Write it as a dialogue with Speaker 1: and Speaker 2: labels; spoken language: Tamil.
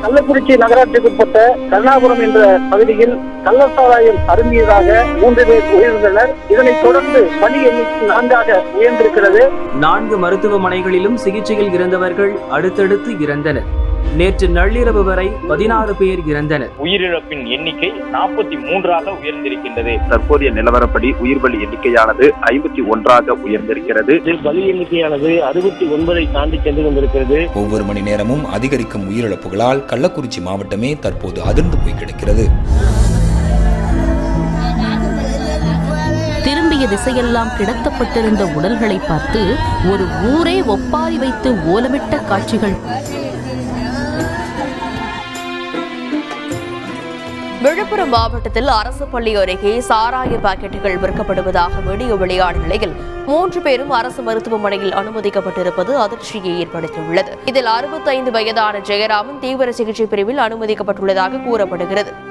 Speaker 1: கள்ளக்குறிச்சி நகராட்சிக்குட்பட்ட கருணாபுரம் என்ற பகுதியில் கள்ளசாராயம் அருந்தியதாக 3 பேர் உயிரிழந்தனர். இதனைத் தொடர்ந்து பலி எண்ணிக்கை 4ஆக உயர்ந்திருக்கிறது.
Speaker 2: 4 மருத்துவமனைகளிலும் சிகிச்சையில் இருந்தவர்கள் அடுத்தடுத்து இறந்தனர். நேற்று நள்ளிரவு வரை 16 பேர் இறந்தனர்.
Speaker 3: உயிரிழப்பின் எண்ணிக்கை 43ஆக உயர்ந்திருக்கின்றது.
Speaker 4: தற்போதைய நிலவரப்படி உயிர் பலி எண்ணிக்கையானது 51ஆக உயர்ந்திருக்கிறது.
Speaker 1: பலி எண்ணிக்கையானது 69ஐ தாண்டி சென்று கொண்டிருக்கிறது.
Speaker 5: ஒவ்வொரு மணி நேரமும் அதிகரிக்கும் உயிரிழப்புகளால் கள்ளக்குறிச்சி மாவட்டமே தற்போது அதிர்ந்து போய் கிடக்கிறது.
Speaker 6: திரும்பிய திசையெல்லாம் கிடத்தப்பட்டிருந்த உடல்களை பார்த்து ஒரு ஊரே ஒப்பாரி வைத்து ஓலமிட்ட காட்சிகள்.
Speaker 7: விழுப்புரம் மாவட்டத்தில் அரசு பள்ளி அருகே சாராய பாக்கெட்டுகள் விற்கப்படுவதாக வீடியோ வெளியான நிலையில் 3 பேரும் அரசு மருத்துவமனையில் அனுமதிக்கப்பட்டிருப்பது அதிர்ச்சியை ஏற்படுத்தியுள்ளது. இதில் 65 வயதான ஜெயராமன் தீவிர சிகிச்சை பிரிவில் அனுமதிக்கப்பட்டுள்ளதாக கூறப்படுகிறது.